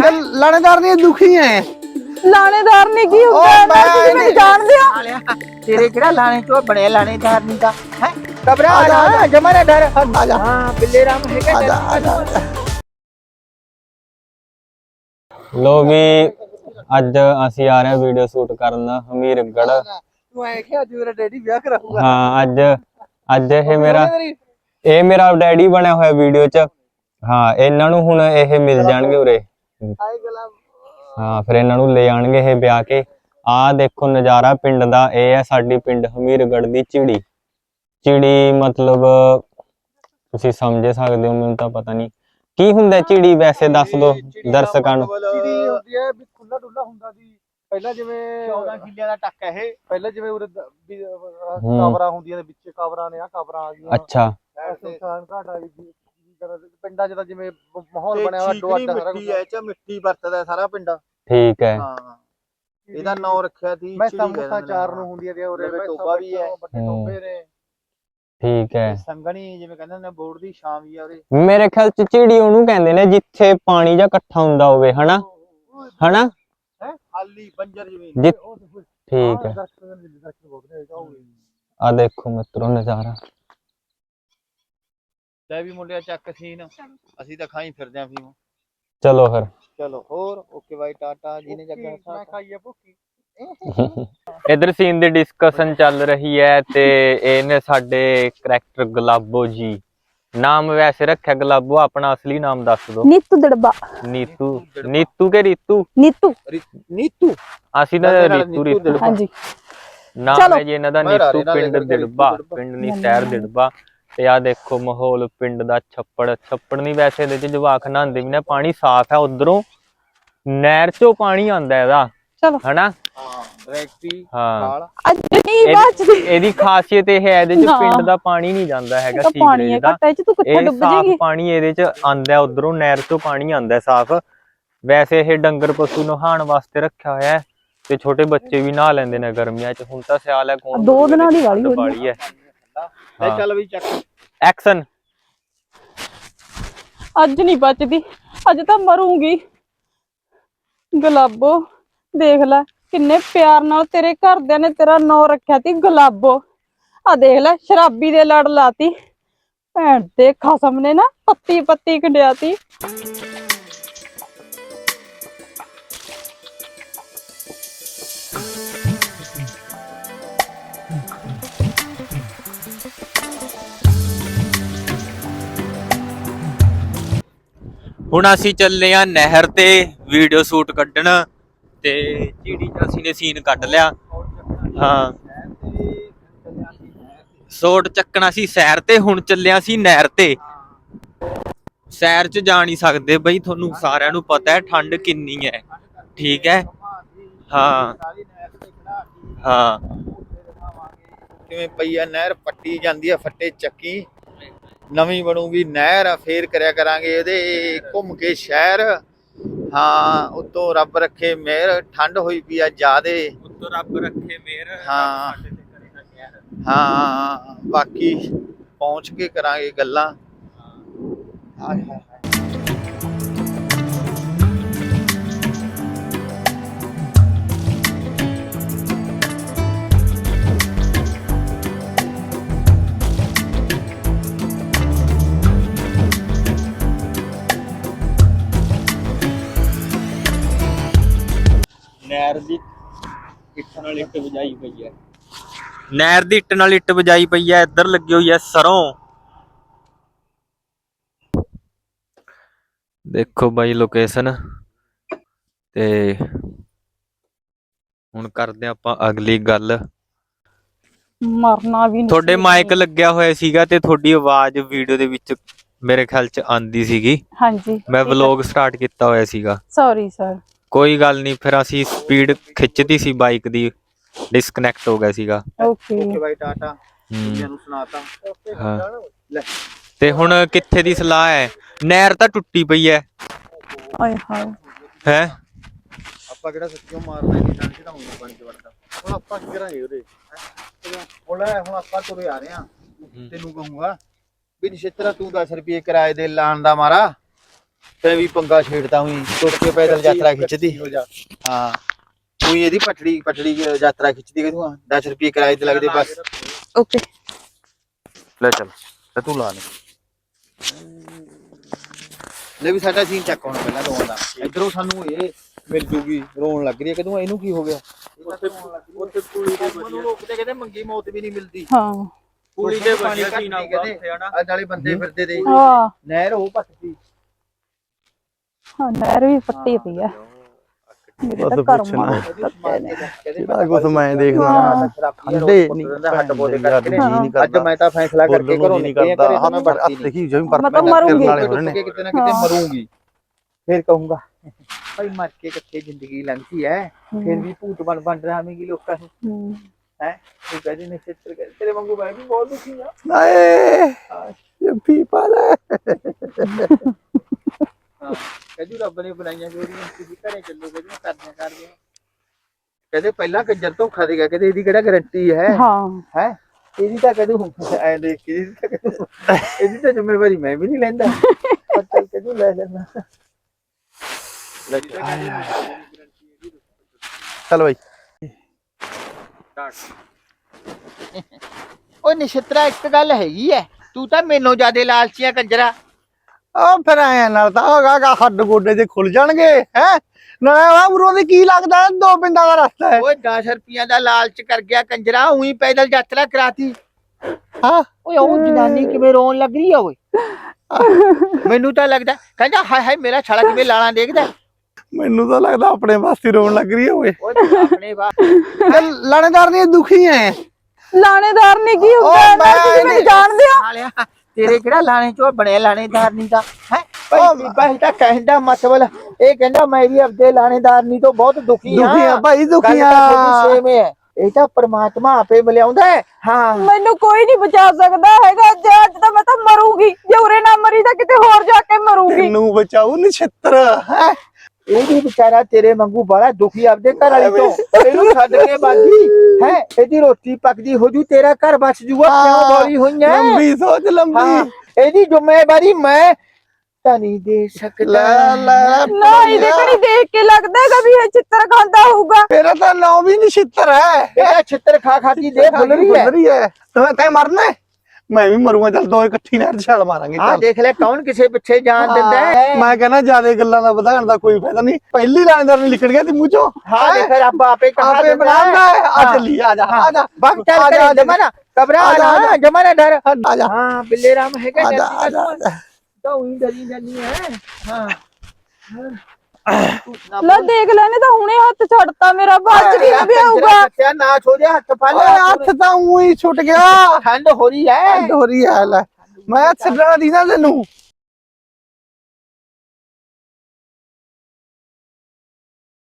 ਫਿਰ ਲਾਣੇਦਾਰ ਨਹੀਂ ਦੁਖੀ ਹੈ। ਲਾਣੇਦਾਰ ਨੇ ਕੀ ਹੁੰਦਾ ਤੁਸੀਂ ਮੈਨੂੰ ਜਾਣਦੇ ਹੋ? ਤੇਰੇ ਕਿਹੜਾ ਲਾਣੇ ਤੋਂ ਬਣੇ ਲਾਣੇਦਾਰ ਨਹੀਂ ਦਾ ਹੈ ਕਬਰਾ ਆ ਜਾ ਜਮਾਨਾ ਡਰ ਆ ਜਾ ਹਾਂ ਬਿੱਲੇ ਰਾਮ ਹੈਗਾ ਡਰ ਲੋ ਵੀ ਅੱਜ ਅਸੀਂ ਆ ਰਹੇ ਹਾਂ ਵੀਡੀਓ ਸ਼ੂਟ ਕਰਨ ਹਮੀਰਗੜ੍ਹ। ਤੂੰ ਐ ਕਿ ਅੱਜ ਮੇਰਾ ਡੈਡੀ ਵਿਆਹ ਕਰਾਊਗਾ। ਹਾਂ ਅੱਜ ਇਹ ਮੇਰਾ ਡੈਡੀ ਬਣਿਆ ਹੋਇਆ ਵੀਡੀਓ 'ਚ। ਹਾਂ ਇਹਨਾਂ ਨੂੰ ਹੁਣ ਇਹ ਮਿਲ ਜਾਣਗੇ ਉਰੇ। ਹਾਂ ਫਿਰ ਇਹਨਾਂ ਨੂੰ ਲੈ ਜਾਣਗੇ ਇਹ ਵਿਆਹ ਕੇ। ਆਹ ਦੇਖੋ ਨਜ਼ਾਰਾ ਪਿੰਡ ਦਾ। ਇਹ ਹੈ ਸਾਡੀ ਪਿੰਡ ਹਮੀਰਗੜ੍ਹ ਦੀ ਝਿੜੀ ਮਤਲਬ ਤੁਸੀਂ ਸਮਝ ਸਕਦੇ ਹੋ। ਮੈਨੂੰ ਤਾਂ ਪਤਾ ਨਹੀਂ ਕੀ ਹੁੰਦਾ ਝਿੜੀ, ਵੈਸੇ ਦੱਸ ਦੋ ਦਰਸ਼ਕਾਂ ਨੂੰ। ਝਿੜੀ ਹੁੰਦੀ ਹੈ ਵੀ ਖੁੱਲਾ ਡੁੱਲਾ ਹੁੰਦਾ ਸੀ ਪਹਿਲਾਂ, ਜਿਵੇਂ 14 ਕਿੱਲਿਆਂ ਦਾ ਟੱਕ ਹੈ ਇਹ। ਪਹਿਲਾਂ ਜਿਵੇਂ ਉਰੇ ਕਾਬਰਾਂ ਹੁੰਦੀਆਂ ਨੇ, ਵਿੱਚ ਕਾਬਰਾਂ ਨੇ, ਆ ਕਾਬਰਾਂ ਆ ਗਈਆਂ। ਅੱਛਾ ਸੁਲਤਾਨ ਘਾਟ ਆ ਗਈ। ਪਿੰਡਾਂ 'ਚ ਤਾਂ ਜਿਵੇਂ ਮਾਹੌਲ ਬਣਿਆ ਹੋਇਆ ਅੱਡੋ ਅੱਡ ਸਾਰਾ ਕੁਝ। ਐ ਮਿੱਟੀ ਵਰਤਦਾ ਸਾਰਾ ਪਿੰਡ। ਠੀਕ ਹੈ। ਹਾਂ ਇਹਦਾ ਨਾਮ ਰੱਖਿਆ ਸੀ ਮੈਂ ਸਮੋਸਾ ਚਾਰ ਨੂੰ ਹੁੰਦੀਆਂ ਤੇ ਉਰੇ ਟੋਬਾ ਵੀ ਹੈ। ਵੱਡੇ ਟੋਬੇ ਨੇ। ਠੀਕ ਹੈ। ਸੰਗਣੀ ਜਿਵੇਂ ਕਹਿੰਦੇ ਨੇ ਬੋਰਡ ਦੀ ਸ਼ਾਮ ਵੀ ਆ ਉਰੇ। ਮੇਰੇ ਖਿਆਲ ਚ ਝਿੜੀ ਉਹਨੂੰ ਕਹਿੰਦੇ ਨੇ ਜਿੱਥੇ ਪਾਣੀ ਜਾਂ ਇਕੱਠਾ ਹੁੰਦਾ ਹੋਵੇ, ਹਨਾ ਹਨਾ ਹੈ ਖਾਲੀ ਬੰਜਰ ਜ਼ਮੀਨ। ਠੀਕ ਹੈ। ਆ ਦੇਖੋ ਮਿੱਤਰੋ ਨਜ਼ਾਰਾ। ਲੈ ਵੀ ਮੁੰਡਿਆ ਚੱਕ ਸੀਨ, ਅਸੀਂ ਤਾਂ ਖਾਈ ਫਿਰਦੇ ਆਂ ਫੀਮ। ਚਲੋ ਫਿਰ ਚਲੋ ਹੋਰ ਓਕੇ ਬਾਈ ਟਾਟਾ। ਜਿਹਨੇ ਜੱਗਾ ਮੈਂ ਖਾਈ ਆ ਭੁੱਖੀ। ਇਧਰ ਸੀਨ ਦੀ ਡਿਸਕਸ਼ਨ ਚੱਲ ਰਹੀ ਹੈ ਤੇ ਇਹਨੇ ਸਾਡੇ ਕਰੈਕਟਰ ਗੁਲਾਬੋ ਜੀ, ਨਾਮ ਵੈਸੇ ਰੱਖਿਆ ਗੁਲਾਬੋ, ਆਪਣਾ ਅਸਲੀ ਨਾਮ ਦੱਸ ਦੋ। ਨੀਤੂ ਦੜਬਾ। ਨੀਤੂ ਕੇ ਰੀਤੂ? ਨੀਤੂ ਅਸੀਂ ਤਾਂ ਰੀਤੂ ਹਾਂਜੀ ਨਾਮ ਹੈ ਜੀ ਇਹਨਾਂ ਦਾ। ਨੀਤੂ ਪਿੰਡ ਦਿੜਬਾ, ਪਿੰਡ ਨਹੀਂ ਸ਼ਹਿਰ ਦਿੜਬਾ। ਤੇ ਆ ਦੇਖੋ ਮਾਹੌਲ ਪਿੰਡ ਦਾ। ਛੱਪੜ ਨਹੀਂ ਵੈਸੇ ਇਹਦੇ ਚ ਜਵਾਕ ਨਹਾਉਂਦੇ ਵੀ ਨੇ, ਪਾਣੀ ਸਾਫ਼ ਹੈ। ਉਧਰੋਂ ਨਹਿਰ ਚੋਂ ਪਾਣੀ ਆਉਂਦਾ ਇਹਦਾ, ਚਲੋ ਹਨਾ। ਹਾਂ ਅੱਜ ਨਹੀਂ ਬਾਅਦ ਇਹਦੀ ਖਾਸੀਅਤ ਇਹ ਹੈ, ਇਹਦੇ ਚ ਪਿੰਡ ਦਾ ਪਾਣੀ ਨਹੀਂ ਜਾਂਦਾ ਹੈਗਾ ਸੀਵਰੇਜ ਦਾ। ਇਹ ਸਾਫ਼ ਪਾਣੀ ਇਹਦੇ ਚ ਆਂਦਾ, ਉਧਰੋਂ ਨਹਿਰ ਚੋਂ ਪਾਣੀ ਆਂਦਾ ਸਾਫ਼। ਵੈਸੇ ਇਹ ਡੰਗਰ ਪਸ਼ੂ ਨਹਾਉਣ ਵਾਸਤੇ ਰੱਖਿਆ ਹੋਇਆ ਹੈ ਤੇ ਛੋਟੇ ਬੱਚੇ ਵੀ ਨਹਾ ਲੈਂਦੇ ਨੇ ਗਰਮੀਆਂ ਚ। ਹੁਣ ਤਾਂ ਸਿਆਲ ਹੈ, ਕੌਣ 2 ਦਿਨਾਂ ਦੀ ਵਾਲੀ ਹੈ। ਚੱਲ ਵੀ ਚੱਕ ਐਕਸ਼ਨ। ਅੱਜ ਨਹੀਂ ਬਚਦੀ, ਅੱਜ ਤਾਂ ਮਰੂੰਗੀ। ਗੁਲਾਬੋ ਦੇਖ ਲੈ ਕਿੰਨੇ ਪਿਆਰ ਨਾਲ ਤੇਰੇ ਘਰਦਿਆਂ ਨੇ ਤੇਰਾ ਨਾਂ ਰੱਖਿਆ ਸੀ ਗੁਲਾਬੋ। ਆ ਦੇਖ ਲੈ ਸ਼ਰਾਬੀ ਦੇ ਲੜ ਲਾਤੀ। ਭੈਣ ਦੇ ਖਸਮ ਨੇ ਨਾ ਪੱਤੀ ਪੱਤੀ ਕੰਡਿਆਤੀ। ਹੁਣ ਅਸੀਂ ਚੱਲੇ ਆ ਨਹਿਰ ਤੇ ਵੀਡੀਓ ਸ਼ੂਟ ਕੱਢਣ ਤੇ ਝਿੜੀ ਚ ਅਸੀਂ ਨੇ ਸੀਨ ਕੱਢ ਲਿਆ। ਹਾਂ ਸ਼ੋਟ ਚੱਕਣਾ ਸੀ ਸੈਰ ਤੇ, ਹੁਣ ਚੱਲਿਆ ਸੀ ਨਹਿਰ ਤੇ। ਸੈਰ ਚ ਜਾ ਨਹੀਂ ਸਕਦੇ ਬਈ, ਤੁਹਾਨੂੰ ਸਾਰਿਆਂ ਨੂੰ ਪਤਾ ਹੈ ਠੰਡ ਕਿੰਨੀ ਹੈ। ਠੀਕ ਹੈ। ਹਾਂ ਹਾਂ ਕਿਵੇਂ ਪਈ ਆ ਨਹਿਰ, ਪੱਟੀ ਜਾਂਦੀ ਆ ਫੱਟੇ ਚੱਕੀ। ਨਵੀਂ ਬਣੂਗੀ ਨਹਿਰ, ਫੇਰ ਕਰਿਆ ਕਰਾਂਗੇ ਇਹਦੇ ਘੁੰਮ ਕੇ ਸ਼ਹਿਰ। ਹਾਂ ਉੱਤੋਂ ਰੱਬ ਰੱਖੇ ਮਿਹਰ, ਠੰਡ ਹੋਈ ਪਈ ਆ ਜ਼ਿਆਦੇ। ਉੱਤੋਂ ਰੱਬ ਰੱਖੇ ਮਿਹਰ। ਹਾਂ ਹਾਂ ਬਾਕੀ ਪਹੁੰਚ ਕੇ ਕਰਾਂਗੇ ਗੱਲਾਂ। ਨਹਿਰ ਦੀ ਇੱਟ ਨਾਲ ਇੱਟ ਵਜਾਈ ਪਈ ਹੈ। ਨਹਿਰ ਦੀ ਇੱਟ ਨਾਲ ਇੱਟ ਵਜਾਈ ਪਈ ਹੈ। ਇੱਧਰ ਲੱਗੀ ਹੋਈ ਹੈ ਸਰੋਂ। ਦੇਖੋ ਬਾਈ ਲੋਕੇਸ਼ਨ। ਤੇ ਹੁਣ ਕਰਦੇ ਆਪਾਂ ਅਗਲੀ ਗੱਲ। ਮਰਨਾ ਵੀ ਨਹੀਂ। ਤੁਹਾਡੇ ਮਾਈਕ ਲੱਗਿਆ ਹੋਇਆ ਸੀਗਾ ਤੇ ਤੁਹਾਡੀ ਆਵਾਜ਼ ਵੀਡੀਓ ਦੇ ਵਿੱਚ ਮੇਰੇ ਖਿਆਲ ਚ ਆਂਦੀ ਸੀਗੀ। ਹਾਂਜੀ ਮੈਂ ਵਲੌਗ ਸਟਾਰਟ ਕੀਤਾ ਹੋਇਆ ਸੀਗਾ। Sorry sir. ਕੋਈ ਗੱਲ ਨਹੀਂ, ਫਿਰ ਅਸੀਂ ਸਪੀਡ ਖਿੱਚਦੀ ਸੀ ਬਾਈਕ ਦੀ, ਡਿਸਕਨੈਕਟ ਹੋ ਗਿਆ ਸੀਗਾ। Okay bye tata. ਨੂੰ ਸੁਣਾਤਾ। ਹਾਂ ਤੇ ਹੁਣ ਕਿੱਥੇ ਦੀ ਸਲਾਹ ਹੈ? ਨਹਿਰ ਤਾਂ ਟੁੱਟੀ ਪਈ ਹੈ। ਆਏ ਹਾਏ ਹੈ ਆਪਾਂ ਕਿਹੜਾ ਸੱਚੀਓ ਮਾਰਨਾ ਨਹੀਂ, ਨਾਲ ਚੜਾਉਂਗਾ ਪਾਣੀ ਚ ਵੜਦਾ। ਹੁਣ ਆਪਾਂ ਕੀ ਕਰਾਂਗੇ ਉਹਦੇ? ਹੁਣ ਆਪਾਂ ਤੁਰੇ ਆ ਰਹੇ ਆ। ਤੈਨੂੰ ਕਹੂੰਗਾ ਵੀ ਨਿਸ਼ਚਰਾ ਤੂੰ 10 ਰੁਪਏ ਕਿਰਾਏ ਦੇ ਲਾਣ ਦਾ ਮਾਰਾ ਤੇ ਵੀ ਪੰਗਾ ਛੇੜਦਾ ਹੋਈ ਟੁੱਟ ਕੇ ਪੈਦਲ ਯਾਤਰਾ ਖਿੱਚਦੀ ਹਾਂ ਕੋਈ ਇਹਦੀ ਪਟੜੀ ਯਾਤਰਾ ਖਿੱਚਦੀ ਕਿ ਤੂੰ 10 ਰੁਪਏ ਕਿਰਾਏ ਤੇ ਲੱਗਦੇ ਬਸ ਓਕੇ ਲੈ ਚੱਲ ਤੇ ਤੂੰ ਲਾ ਲੈ ਵੀ ਸਾਡਾ ਸੀਨ ਚੱਕ ਹੁਣ ਪਹਿਲਾਂ ਰੋਣ ਦਾ ਇਧਰੋਂ ਸਾਨੂੰ ਇਹ ਮਿਲ ਜੂਗੀ ਰੋਣ ਲੱਗ ਰਹੀ ਹੈ ਕਦੋਂ ਇਹਨੂੰ ਕੀ ਹੋ ਗਿਆ ਉੱਥੇ ਕੁੜੀ ਦੇ ਮੈਨੂੰ ਰੋਕਦੇ ਕਹਿੰਦੇ ਮੰਗੀ ਮੌਤ ਵੀ ਨਹੀਂ ਮਿਲਦੀ ਹਾਂ ਕੁੜੀ ਦੇ ਪਾਣੀ ਸੀਨ ਆਉਂਦਾ ਆ ਨਾਲੇ ਬੰਦੇ ਫਿਰਦੇ ਦੇ ਹਾਂ ਨਹਿਰ ਉਹ ਪੱਟਦੀ ਹਾਂ ਨਹਿਰ ਵੀ ਫੱਟੀ ਪਈ ਆ ਮੇਰੇ ਤਾਂ ਕਰਮਾਂ ਜਿਹੜਾ ਕੁਛ ਮੈਂ ਦੇਖਦਾ ਠੰਡੇ ਨਹੀਂ ਹੱਟ ਬੋਲੇ ਕਰਕੇ ਜੀ ਨਹੀਂ ਅੱਜ ਮੈਂ ਤਾਂ ਫੈਸਲਾ ਕਰਕੇ ਘਰੋਂ ਨਿਕਲਿਆ ਘਰੇ ਤਾਂ ਮੈਂ ਵੜਦੀ ਨਹੀਂ ਦੇਖੀ ਜਿਵੇਂ ਪਰ ਮੈਂ ਤਾਂ ਮਰੂੰਗੀ। ਕਿਤੇ ਨਾ ਕਿਤੇ ਮਰੂੰਗੀ ਫਿਰ ਕਹੂੰਗਾ ਭਾਈ ਮਰ ਕੇ ਕਿੱਥੇ ਜ਼ਿੰਦਗੀ ਲੰਘਦੀ ਹੈ ਫਿਰ ਵੀ ਭੂਤ ਬਣ ਰਹਾਵੇਂਗੀ ਲੋਕਾਂ ਨੂੰ ਹੈ ਤੂੰ ਕਹਿੰਦੀ ਨੇ ਚਿੱਤਰ ਤੇਰੇ ਵਾਂਗੂ ਮੈਂ ਵੀ ਬਹੁਤ ਦੁਖੀ ਆ ਆਏ ਜੱਫੀ ਪਾ ਲੈ ਕਹਿੰਦੀ ਰੱਬ ਨੇ ਬਣਾਈਆਂ ਜੋੜੀਆਂ ਤੁਸੀਂ ਘਰੇ ਚੱਲੋ ਕਹਿੰਦੀ ਕਰਦੇ ਕਹਿੰਦੇ ਪਹਿਲਾਂ ਕੰਜਰ ਧੋਖਾ ਦੇ ਗਿਆ ਕਹਿੰਦੇ ਇਹਦੀ ਕਿਹੜਾ ਗਾਰੰਟੀ ਹੈ ਹੈ ਇਹਦੀ ਤਾਂ ਕਦੋਂ ਐ ਦੇਖ ਕੇ ਇਹਦੀ ਤਾਂ ਜ਼ਿੰਮੇਵਾਰੀ ਮੈਂ ਵੀ ਨਹੀਂ ਲੈਂਦਾ ਪਰ ਚੱਲ ਕਦੋਂ ਲੈ ਲੈਣਾ ਚੱਲ ਬਾਈ ਉਹ ਨਿਸ਼ਤਰਾ ਇੱਕ ਗੱਲ ਹੈਗੀ ਐ ਤੂੰ ਤਾਂ ਮੈਨੂੰ ਜਿਆਦੇ ਲਾਲਚੀਆਂ ਕੰਜਰਾ ਆ ਫਿਰ ਆਇਆ ਨਾਲ ਤਾਂ ਹੋਗਾ ਹੱਡ ਗੋਡੇ ਜੇ ਖੁੱਲ ਜਾਣਗੇ ਹੈ ਨਾ ਉਰੋਂ ਦੀ ਕੀ ਲੱਗਦਾ 2 ਪਿੰਡਾਂ ਦਾ ਰਸਤਾ ਹੈ ਓਏ 10 ਰੁਪਈਆਂ ਦਾ ਲਾਲਚ ਕਰ ਗਿਆ ਕੰਜਰਾ ਉਹੀ ਪੈਦਲ ਯਾਤਰਾ ਕਰਾਤੀ ਹਾਂ ਓਏ ਉਹ ਜਨਾਨੀ ਕਿਵੇਂ ਰੋਣ ਲੱਗ ਰਹੀ ਆ ਓਏ ਮੈਨੂੰ ਤਾਂ ਲੱਗਦਾ ਕਹਿੰਦਾ ਹਾਏ ਹਾਏ ਮੇਰਾ ਛਾਲਾ ਕਿਵੇਂ ਲਾਲਾਂ ਦੇਖਦਾ ਮੈਨੂੰ ਤਾਂ ਲੱਗਦਾ ਆਪਣੇ ਵਾਸਤੇ ਰੋਣ ਲੱਗ ਰਹੀ ਓਏ ਓਏ ਆਪਣੇ ਲਾਣੇਦਾਰ ਨਹੀਂ ਦੁਖੀ ਐ ਲਾਣੇਦਾਰ ਨੇ ਕੀ ਹੁੰਦਾ ਤੁਸੀਂ ਮੈਨੂੰ ਜਾਣਦੇ ਹੋ ਸਾਲਿਆ ਤੇਰੇ ਕਿਹੜਾ ਲਾਣੇ ਚੋਂ ਬਣਿਆ ਲਾਣੇਦਾਰ ਨਹੀਂ ਦਾ ਹੈ ਭਾਈ ਤਾਂ ਕਹਿੰਦਾ ਮਤਲਬ ਇਹ ਕਹਿੰਦਾ ਮੈਂ ਵੀ ਆਪਦੇ ਲਾਣੇਦਾਰ ਨਹੀਂ ਤੋਂ ਬਹੁਤ ਦੁਖੀ ਆ ਭਾਈ ਦੁਖੀ ਆ ਸੇਮ ਹੈ ਇਹ ਤਾਂ ਪਰਮਾਤਮਾ ਆਪੇ ਮਿਲਾਉਂਦਾ ਹੈ ਹਾਂ ਮੈਨੂੰ ਕੋਈ ਨਹੀਂ ਬਚਾ ਸਕਦਾ ਹੈਗਾ ਅੱਜ ਤਾਂ ਮੈਂ ਤਾਂ ਮਰੂੰਗੀ ਜੇ ਉਰੇ ਨਾ ਮਰੀ ਤਾਂ ਕਿਤੇ ਹੋਰ ਜਾ ਕੇ ਮਰੂੰਗੀ ਤੈਨੂੰ ਬਚਾਉ ਨਛੱਤਰ ਹੈ ਇਹ ਵੀ ਵਿਚਾਰਾ ਤੇਰੇ ਵਾਂਗੂ ਬੜਾ ਦੁਖੀ ਆਪਦੇ ਘਰ ਵਾਲੀ ਤੋਂ ਇਹਨੂੰ ਛੱਡ ਕੇ ਬਾਗੀ ਹੈ ਇਹਦੀ ਰੋਟੀ ਪੱਕਦੀ ਹੋ ਜੂ ਤੇਰਾ ਘਰ ਬਚ ਜੂਗਾ ਕਿਉਂ ਬੋਲੀ ਹੋਈ ਹੈ ਲੰਬੀ ਸੋਚ ਲੰਬੀ ਇਹਦੀ ਜ਼ਿੰਮੇਵਾਰੀ ਮੈਂ ਤਾਂ ਨਹੀਂ ਦੇ ਸਕਦਾ ਨਾ ਇਹਦੇ ਕਣੀ ਦੇਖ ਕੇ ਲੱਗਦਾ ਹੈਗਾ ਵੀ ਇਹ ਚਿੱਤਰ ਖਾਂਦਾ ਹੋਊਗਾ ਮੇਰਾ ਤਾਂ ਨਾਮ ਵੀ ਨਛੱਤਰ ਹੈ ਇਹਦਾ ਛਿੱਤਰ ਖਾ ਕੇ ਦੇ ਫੁੱਲ ਰਹੀ ਹੈ ਤੈਂ ਮਰਨਾ ਮੈਂ ਵੀ ਮਰੂੰਗਾ ਚੱਲ ਦੋ ਇਕੱਠੀ ਨਹਿਰ ਛਾਲ ਮਾਰਾਂਗੇ ਆ ਦੇਖ ਲੈ ਕੌਣ ਕਿਸੇ ਪਿੱਛੇ ਜਾਨ ਦਿੰਦਾ ਹੈ ਮੈਂ ਕਹਿੰਦਾ ਜਿਆਦਾ ਗੱਲਾਂ ਦਾ ਵਧਾਉਣ ਦਾ ਕੋਈ ਫਾਇਦਾ ਨਹੀਂ ਪਹਿਲੀ ਲਾਣੇਦਾਰ ਨੇ ਲਿਖੜ ਗਿਆ ਤੇ ਮੂੰਹ ਚੋਂ ਹਾਂ ਦੇਖ ਰੱਬ ਆਪੇ ਕਹਾ ਆਪੇ ਬਣਾਉਂਦਾ ਆ ਚੱਲੀ ਆ ਜਾ ਵਕਤ ਚੱਲ ਜਮਾਨਾ ਘਬਰਾ ਨਾ ਜਮਾਨਾ ਡਰ ਆ ਜਾ ਹਾਂ ਬਿੱਲੇ ਰਾਮ ਹੈਗਾ ਆ ਜਾ ਤਾਂ ਉਹੀ ਡਰੀ ਜਾਂਦੀ ਹੈ ਹਾਂ ਲੈ ਦੇਖ ਲੈ ਨੇ ਤਾਂ ਹੁਣੇ ਹੱਥ ਛੱਡਤਾ ਮੇਰਾ ਬਾਅਦ ਚ ਕੀ ਵਿਆਹੂਗਾ ਨਾ ਛੋੜਿਆ ਹੱਥ ਫੜ ਓਏ ਹੱਥ ਤਾਂ ਉਹੀ ਛੁੱਟ ਗਿਆ ਠੰਡ ਹੋ ਰਹੀ ਹੈ ਠੰਡ ਹੋ ਰਹੀ ਹੈ ਲੈ ਮੈਂ ਛੱਡਣਾ ਦੀ ਨਾ ਤੈਨੂੰ